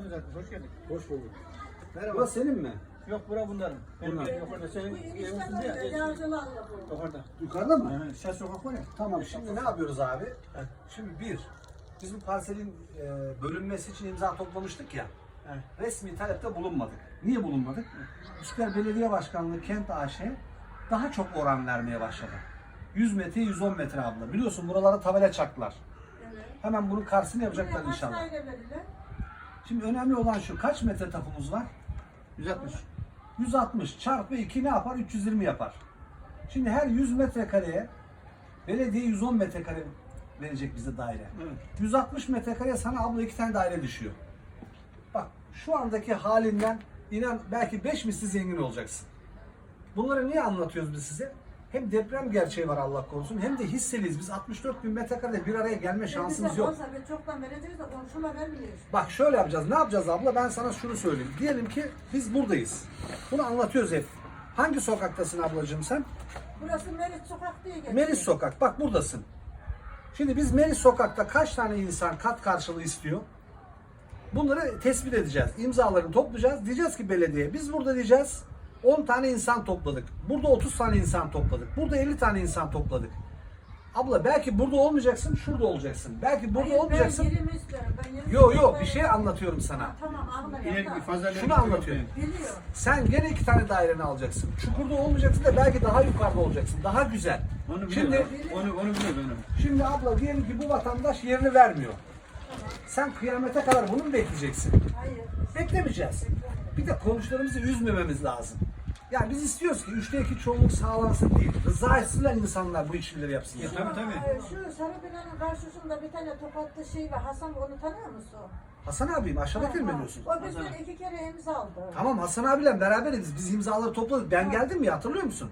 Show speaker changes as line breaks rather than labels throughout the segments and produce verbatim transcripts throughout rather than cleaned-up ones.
düzeltmiş. Hoş geldin.
Hoş bulduk.
Merhaba.
Burası senin mi?
Yok bura bunların. Benim
Bunlar.
evim yok orada. Senin evin üstünde ya. Yok orada.
Yukarıda mı?
Hı, Şah sokak var ya.
Tamam, şimdi ne yapıyoruz abi? Şimdi bir, biz bu parselin e, bölünmesi için imza toplamıştık ya.
Evet.
Resmi talepte bulunmadık. Niye bulunmadık? Üsküdar Belediye Başkanlığı Kent A Ş daha çok oran vermeye başladı. yüz metre, yüz on metre abla. Biliyorsun buralara tabela çaktılar.
Evet.
Hemen bunun karşısını yapacaklar
Buraya
inşallah.
kaç daire verirler?
Şimdi önemli olan şu, kaç metre tapumuz var?
yüz altmış.
yüz altmış çarpı iki ne yapar? üç yüz yirmi yapar. Şimdi her yüz metrekareye belediye yüz on metrekare verecek bize daire.
Evet.
yüz altmış metrekareye sana abla iki tane daire düşüyor. Bak şu andaki halinden inan belki beş misli zengin olacaksın. Bunları niye anlatıyoruz biz size? Hem deprem gerçeği var Allah korusun, hem de hisseliyiz. Biz altmış dört bin metrekarede bir araya gelme şansımız
Bize
yok.
olsa biz çoktan vereceğiz de komşuma vermiyoruz.
Bak şöyle yapacağız. Ne yapacağız abla? Ben sana şunu söyleyeyim. Diyelim ki biz buradayız. Bunu anlatıyoruz hep. Hangi sokaktasın ablacığım sen?
Burası Merit Sokak diye geçiyor.
Melis Sokak. Bak buradasın. Şimdi biz Melis Sokak'ta kaç tane insan kat karşılığı istiyor? Bunları tespit edeceğiz. İmzalarını toplayacağız. Diyeceğiz ki belediye, biz burada diyeceğiz on tane insan topladık. Burada otuz tane insan topladık. Burada elli tane insan topladık. Abla belki burada olmayacaksın, şurada olacaksın. Belki burada
Hayır,
olmayacaksın.
Ben yerimi istiyorum. Ben yerimi
Yo yo
istiyorum.
bir şey anlatıyorum sana.
Ha, tamam anladım.
İleri bir fazla
Şunu anlatıyorum.
Biliyor.
Sen gene iki tane daireni alacaksın. Çukurda olmayacaksın da belki daha yukarıda olacaksın. Daha güzel.
Onu
Şimdi
biliyorum. Onu, onu biliyorum ben.
Şimdi abla diyelim ki bu vatandaş yerini vermiyor. Sen kıyamete kadar bunu mu bekleyeceksin?
Hayır.
Beklemeyeceğiz. Bir de komşularımızı üzmememiz lazım. Yani biz istiyoruz ki üçte iki çoğunluk sağlansın değil. Rızasıyla insanlar bu işleri yapsınlar.
Tabii, tabii.
Ee, Şu Sarı binanın karşısında bir tane tokatlı şey var. Hasan onu tanıyor musun?
Hasan abim aşağıdaki mi
Ha,
diyorsun?
O bizden iki kere imza aldı.
Tamam Hasan abiyle beraberiz. Biz imzaları topladık. Ben geldim ya, hatırlıyor musun?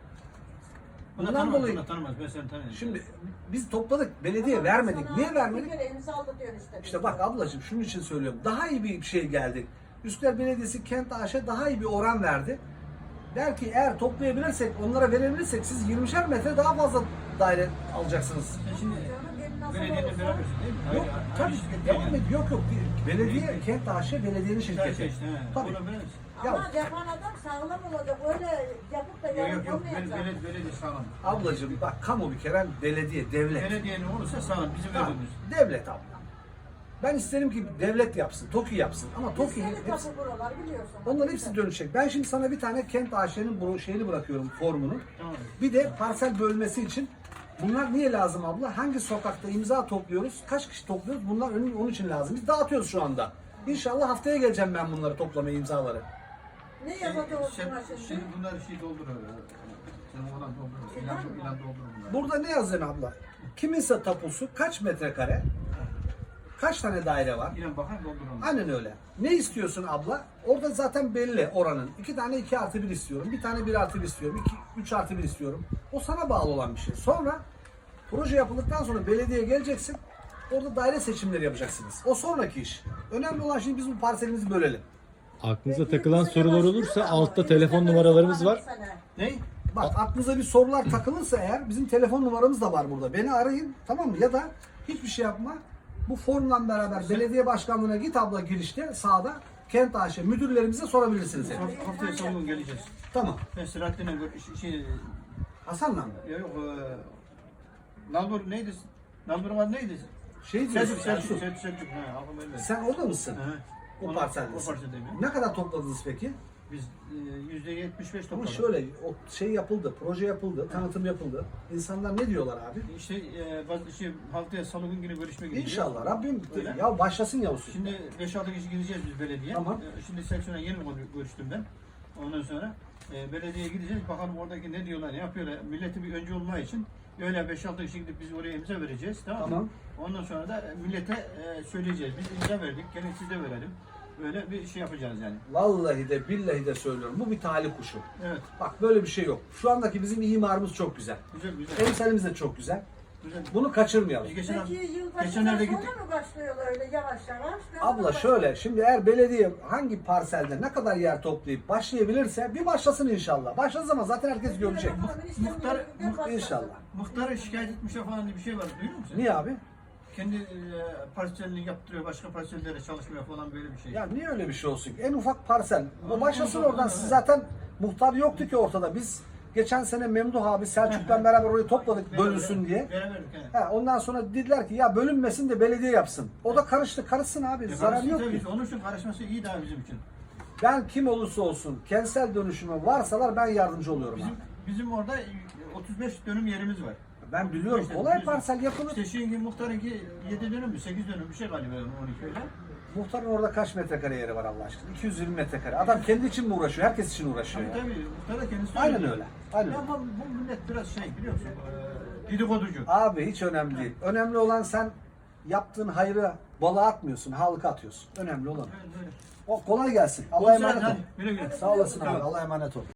Bunu
Bundan
tanımaz,
dolayı
bunu tanımaz. Ben seni tanıyorum.
şimdi biz topladık. Belediye
Ama
vermedik.
sana
Niye
Bir
vermedik?
kere imza aldı diyor işte.
İşte bak ablacığım şunun için söylüyorum. Daha iyi bir şey geldi. Üsküdar Belediyesi Kent A Ş daha iyi bir oran verdi. Der ki eğer toplayabilirsek, onlara verebilirsek siz yirmişer metre daha fazla daire alacaksınız.
Sen şimdi
Canım, benim nasıl
belediyeyle
olursa-
berabersin değil mi?
Yok
Hayır,
tabii
aynı şirket
devam
değil.
et. Yok yok. Belediye Kent A Ş belediyenin
Güzel
şirketi.
şey işte. he.
Tabii.
Onu biliriz.
Ya-
Ama yapan adam sağlam olacak. Öyle yapıp da
Yok
yarın
yok yok. Bel-
olmayacak.
Belediye, belediye sağlam.
Ablacığım bak kamu bir kere belediye, devlet.
Belediye ne olursa sağlam. Bizim
Tamam,
verdiğimiz.
devlet abla. Ben isterim ki devlet yapsın, TOKİ yapsın. Ama TOKİ
Biz
hepsi,
tapu buralar biliyorsun.
onların hepsi dönüşecek. Ben şimdi sana bir tane Kent A Ş'nin bu şeyini bırakıyorum, formunu.
Tamam.
Bir de parsel bölmesi için bunlar niye lazım abla? Hangi sokakta imza topluyoruz? Kaç kişi topluyoruz? Bunlar onun, onun için lazım. Biz dağıtıyoruz şu anda. İnşallah haftaya geleceğim ben bunları toplamaya, imzaları.
Ne yapacağız
Sen,
buna
şimdi
şimdi?
bunlar şey doldur öyle. Sen oradan doldur.
İlan
İlan,
mı?
ilan doldur bunlar.
Burada ne yazıyor abla? Kiminse tapusu kaç metrekare? Kaç tane daire var?
İlan bakar doldur onu.
Aynen öyle. Ne istiyorsun abla? Orada zaten belli oranın. İki tane iki artı bir istiyorum. Bir tane bir artı bir istiyorum. İki, üç artı bir istiyorum. O sana bağlı olan bir şey. Sonra proje yapıldıktan sonra belediyeye geleceksin. Orada daire seçimleri yapacaksınız. O sonraki iş. Önemli olan şimdi biz bu parselimizi bölelim.
Aklınıza takılan sorular olursa altta telefon numaralarımız var.
Ne?
Bak aklınıza bir sorular takılırsa eğer bizim telefon numaramız da var burada. Beni arayın, tamam mı? Ya da hiçbir şey yapma. Bu formla beraber belediye başkanlığına git abla, girişte sağda Kent A Ş müdürlerimize sorabilirsiniz. Yani.
Haft- Haftaya son gün geleceğiz.
Tamam.
Ben Selahattin'le gör- şey,
Hasan'la mı?
ya yok e, Nalbur neydi? Nalbur var neydi?
Şey diyorsun,
Selçuk, Selçuk,
Selçuk.
Selçuk, Selçuk. Ha, aklım öyle.
Sen orada mısın?
Hı.
O
Onu-
parseldesin.
O parseldeyim ya.
Ne kadar topladınız peki?
Biz e, yüzde yetmiş beş
Ama
topladık.
şöyle, o şey yapıldı, proje yapıldı, tanıtım yapıldı. İnsanlar ne diyorlar abi?
İşte e, bazı şey, haftaya salı günü görüşme gideceğiz.
İnşallah Rabbim
Öyle.
ya başlasın ya olsun.
Şimdi beş altı kişi gideceğiz biz belediye.
Tamam.
E, Şimdi seksiyona yeni konu görüştüm ben. Ondan sonra e, belediyeye gideceğiz. Bakalım oradaki ne diyorlar, ne yapıyorlar. Milleti bir öncü olma için öyle beş altı kişi gidip biz oraya imza vereceğiz. Tamam mı?
Tamam.
Ondan sonra da millete e, söyleyeceğiz. Biz imza verdik. Gelin siz de verelim. Böyle bir şey yapacağız yani.
Vallahi de billahi de söylüyorum. Bu bir talih kuşu.
Evet.
Bak böyle bir şey yok. Şu andaki bizim imarımız çok güzel.
Güzel güzel.
Emsalimiz de çok güzel.
güzel.
Bunu kaçırmayalım.
Biz geçen,
Peki yılbaşından
geçenlerde
sonra
gittik.
mı başlıyorlar öyle yavaş yavaş? Ne
Abla
zaman
şöyle, şimdi eğer belediye hangi parselde ne kadar yer toplayıp başlayabilirse bir başlasın inşallah. Başladığı zaman zaten herkes görecek.
Muhtar-
İnşallah.
Muhtarı şikayet etmişler falan diye bir şey var. Duyuyor musun?
Niye abi?
kendi e, parselini yaptırıyor, başka parsellere çalışmıyor falan böyle bir şey.
Ya niye öyle bir şey olsun ki? En ufak parsel. Bu
Ama
başlasın
orada-
oradan.
orada-
Siz zaten muhtar yoktu ki ortada. Biz geçen sene Memduh abi Selçuk'la beraber orayı topladık bölünsün diye.
Veremedik yani.
Ha, ondan sonra dediler ki ya bölünmesin de belediye yapsın. O da karıştı. Karışsın abi.
E,
Zarar
karıştı
yok
tabii.
ki.
Onun için karışması iyi daha bizim için.
Ben kim olursa olsun kentsel dönüşüme varsalar ben yardımcı oluyorum
Bizim
abi.
bizim orada otuz beş dönüm yerimiz var.
Ben biliyorum.
İşte
Kolay
bizim-
parsel yapılır.
İşte şimdi muhtarınki yedi dönüm mü sekiz dönüm bir şey galiba on iki öyle.
Muhtarın orada kaç metrekare yeri var Allah aşkına? iki yüz yirmi metrekare. Adam kendi için mi uğraşıyor? Herkes için uğraşıyor
Tabii
ya.
tabii muhtar da kendisi
Aynen
söylüyor.
öyle. Aynen
Ya
öyle.
Ama bu millet biraz şey biliyor musun? Ee, dedikoducu.
Abi hiç önemli değil. Önemli olan sen yaptığın hayrı balığa atmıyorsun, halka atıyorsun. Önemli olan.
Böyle, böyle.
O kolay gelsin. Allah'a
Olsun,
emanet ol.
hadi, güle güle.
Sağ olasın abi.
Tamam.
Allah'a emanet ol.